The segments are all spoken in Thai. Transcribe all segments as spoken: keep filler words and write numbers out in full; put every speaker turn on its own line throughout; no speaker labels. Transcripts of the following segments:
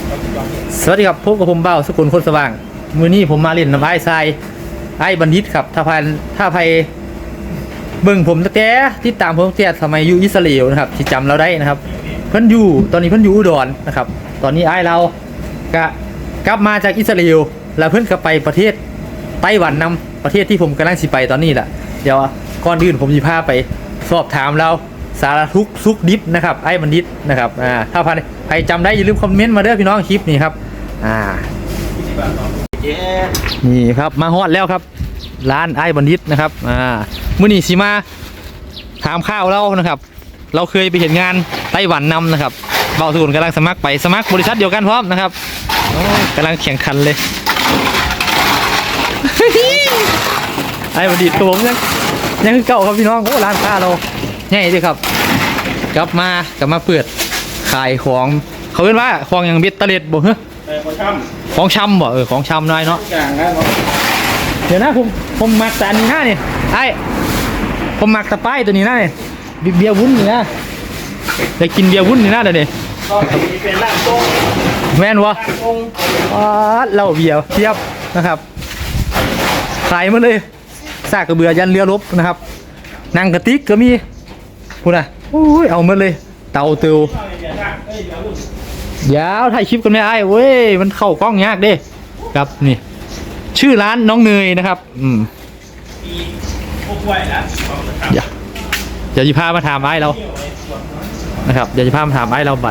สวัสดีครับพบกับผมเบ้าสกุลคนสว่างมือนี้ผมมาเล่นน้ำไอ้ทรายไอ้บัณฑิตครับถ้าพันถ้าภัยเบิ่งผมตั้งแต่ที่ตามผมตั้งแต่สมัยอยู่อิสราเอลนะครับที่จำเราได้นะครับเพิ่นอยู่ตอนนี้เพิ่นอยู่อุดรนะครับตอนนี้ไอ้เราก็กลับมาจากอิสราเอลแล้วเพิ่นก็ไปประเทศไต้หวันนำประเทศที่ผมกำลังสิไปตอนนี้แหละเดี๋ยวก่อนอื่นผมจะพาไปสอบถามเราสารทุกซุกดิบนะครับไอ้บัณฑิตนะครับอ่าถ้าพันใครจำได้อย่าลืมคอมเมนต์มาเด้อพี่น้องคลิปนี้ครับอ่านี่ครับมาฮอดแล้วครับร้านไอ้บัณฑิตนะครับอ่ามื้อนี้สิมาถามข้าวเรานะครับเราเคยไปเห็นงานไต้หวันนำนะครับเบาสุนกำลังสมัครไปสมัครบริษัทเดียวกันพร้อมนะครับกำลังแข่งขันเลย ไอ้บัณฑิตครับผมยังยังคือเก่าครับพี่น้องโอ้ร้านค้าเราใหญ่ด้วยครับกลับมากลับมาเปิดขายของเขาเรียกว่าของอย่างเบ็ดตะเล็ดบ่เหรอของชำบ่เออของชำหน่อยเนาะเดี๋ยวนะผมผมมักแต่อันนี้นะนี่ไอ้ผมมักตะไคร้ตัวนี้นะนี่เบียร์วุ้นนี่นะได้กินเบียร์วุ้นนี่นะเดี๋ยวนี้เป็นร่างทรงแม่นวะอ๋อเหล้าเบียร์เทียบนะครับขายมาเลยซากกระเบือยันเรือรบนะครับนางกระติกก็มีพูดนะโอ้ยเอามาเลยเตาเตียวยาวถ่ายคลิปกันไม่ไอ้เว้ยมันเข้ากล้องยากเด้ครับนี่ชื่อร้านน้องเนยนะครับอืมเดี๋ยวเดี๋ยวจะพามาถามไอ้เรานะครับเดี๋ยวจะพามาถามไอ้เราบั่น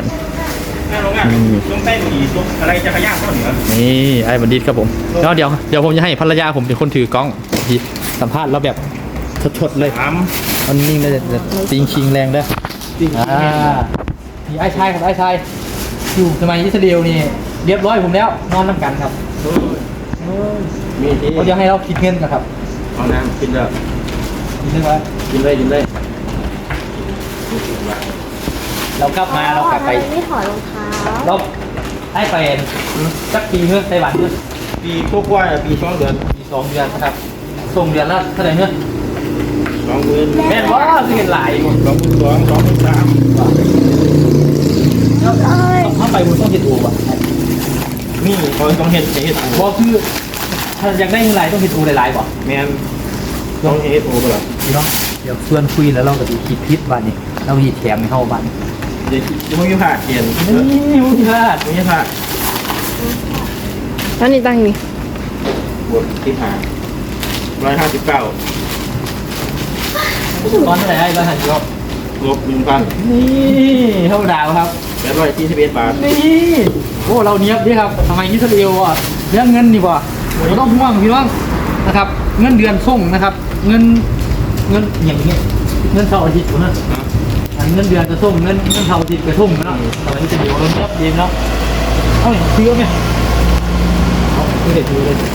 นี่ไอ้บัณฑิตครับผมแล้วเดี๋ยวเดี๋ยวผมจะให้ภรรยาผมเป็นคนถือกล้องสัมภาษณ์เราแบบสดๆเลยมันนิ่งได้แต่ติงชิงแรงได้อ่านี่ไอ้ชายครับไอ้ชายอยู่สมัยอิสราเอลนี่เรียบร้อยผมแล้วนอนน้ำกันครับมีที่เดี๋ยวให้เราคิดเงินกันครับเอาน้ำกินเลยกินเลยครับกินเลยกินเลยเรากลับมาเรากลับไปไม่ถอดรองเท้าเราให้ไปสักปีเมื่อไต้หวันเมื่อปีพวกว่าปีสองเดือนปีสองเดือนนะครับส่งเดือนละเท่าไหร่เมื่อสองหมื่นแม่นว่าคือเห็นหลายสองหมื่นสองสองหมื่นสามถ้าไปมันต้องเห็ดโอ่ะนี่เขาต้องเห็ดเห็ดโอ่บอกคือถ้าอยากได้เงินหลายต้องเห็ดโอ่หลายๆบ่แม่นต้องเห็ดโอ่ก็หรอพี่น้องเดี๋ยวชวนคุยแล้วเราก็จะคิดพิษบ้านนี้เราหยิบแถมในเข้าบ้านเดี๋ยวจะไม่มีผ่าเกียนนี่ไม่มีผ่าไม่มีผ่า
ตอนนี้ตั้งนี่
บวกที่ผ่าร้อยห้าสิบเก้าตอนเท่าไหร่ร้อยห้าสิบลบลบหนึ่งพันนี่เท่าดาวครับแปดร้อยสี่สิบเอ็ดบาทนี่โอ้เราเนี้ยบดิครับทำไมอิสราเอลอ่ะเรื่องเงินดีกว่าเราต้องห่วงพี่น้องนะครับเงินเดือนส่งนะครับเงินเงินอย่างเงี้ยเงินเสาร์อาทิตย์นะเงินเดือนจะส่งเงินเงินเสาร์อาทิตย์จะส่งนะทำไมอิสราเอลเราเนี้ยบดีเนาะเอาอย่างซื้อไหมเอาไม่ได้ซื้อเลย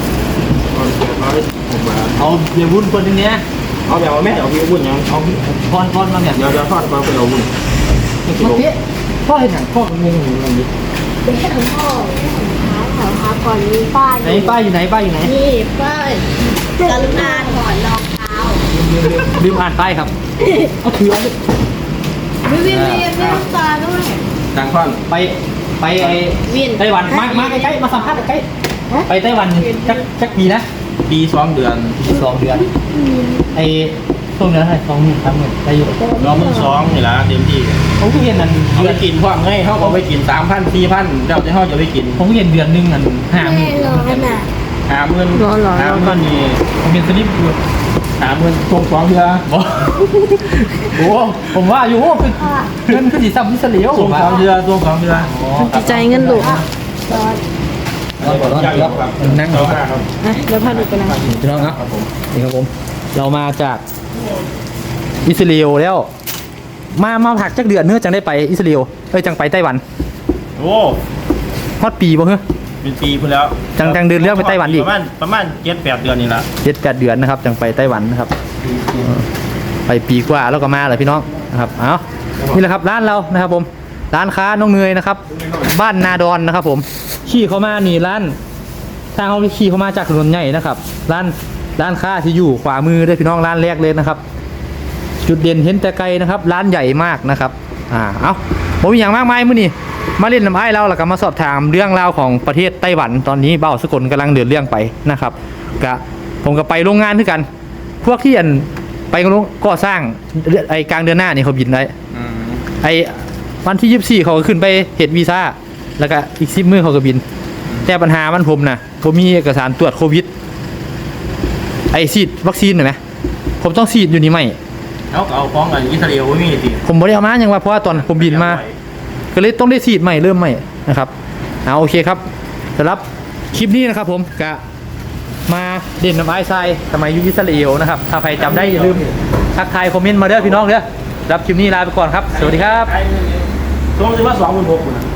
เอาเบียร์วุ้นคนนี้เอาแบบว่าแม่เอาเบียร์วุ้นยังเอาพอนพอนมาเนี่ยเดี๋ยวจะทอดมาเป็นเอาวุ้นเมื่อกี้พ่อเห็นหนังพ่อมันงงอยู่ตรงนี้
เป็นแค่ของพ่อแค่ของเท้าก่อนมีป้าย
ไหนป้ายอยู่ไหนป้ายอยู่ไหน
นี่ป้ายกรุณาถอดรองเท้า
ลืมอ่านป้ายครับเอาถือเลย
วิววิววิวน้ำตาด้วย
ต่างคนไปไปไอ้ไต้หวันมามาใกล้ๆมาสัมภาษณ์ใกล้ไปไต้หวันจักจักปีนะปีสองเดือนปีสองเดือนไอ้ช่วงเดือนอะไรสองหมื่นสามหมื่นได้อยู่รอมือสองนี่ละเต็มที่ผมก็เห็นนั่นเอาไปกินพวกให้เขาเอาไปกินสามพันสี่พันเดี๋ยวจะเขาจะไปกินผมก็เห็นเดือนหนึ่งนั่นห้าหมื่นห้าหมื่นห้าหมื่นนี่ผมเป็นสลิปอยู่ห้าหมื่นส่งสองเดือนโอ้ผมว่าอยู่เงินคือสีซ้ำที่เสลียวส่งสองเดือนส่งสองเดือน
จิตใจเงินดุ
เราบอกว่าเรานั่งดูครับ
เดี๋ยวพาดูกันนะ
พี่น้องครับนี่ครับผมเรามาจากอิสราเอลแล้วมามาผักจักเดือนเนื้อจังได้ไปอิสราเอลเอ้ยจังไปไต้หวัน
โอ้
ฮอดปีบ่เหรอ
เป็นปีพุ่นแล้ว
จังจังเดือนเรื่องไปไต้หวันอีก
ประมาณประมาณเจ็ดแปดเดือนนี่ละ
เจ็ดแปดเดือนนะครับจังไปไต้หวันนะครับไปปีกว่าแล้วก็มาเลยพี่น้องนะครับเอานี่แหละครับร้านเรานะครับผมร้านค้าน้องเนยนะครับบ้านนาดอนนะครับผมขี่เข้ามานี่ร้านทางเขาขี่เข้ามาจากถนนใหญ่นะครับร้านร้านค้าที่อยู่ขวามือด้วยพี่น้องร้านแรกเลยนะครับจุดเด่นเห็นแต่ไกลนะครับร้านใหญ่มากนะครับอ่าเอาผมมีอย่างมากมายมื้อนี้มาเล่นน้ำไอ้ายเราแล้วก็มาสอบถามเรื่องราวของประเทศไต้หวันตอนนี้เบ้าสกลกำลังเดินเรื่องไปนะครับกะผมก็ไปโรงงานด้วยกัน พวกที่อันไปโรงก่อสร้างไอ้กลางเดือนหน้านี่เขาบินได้
อืม
ไอ้วันที่ยี่สิบสี่เขาก็ขึ้นไปเฮ็ดวีซ่าแล้วก็อีกสิบมื้อเขาก็บิน แต่ปัญหามันผมนะผมมีเอกสารตรวจโควิดไอ้ฉีดวัคซีนเห็นไหมผมต้องฉีดอยู่นี่ไหม
เอาก็เอาฟ้องกันอิสราเอลไว้มีสิ
ผมบ่ได้เอามาอย่างว่าเพราะว่าตอนผมบินมา ก็เลยต้องได้ฉีดใหม่เริ่มใหม่นะครับเอาโอเคครับสำหรับคลิปนี้นะครับผมกะมาเด่นน้ำไอซ์ไซสมัยอยุคอิสราเอลนะครับถ้าใครจำได้อย่าลืมทักทายคอมเมนต์มาเด้อพี่น้องเด้อรับคลิปนี้ลาไปก่อนครับสวัสดีครับ
ตรงสิว่าสองหมื่นหกคุณ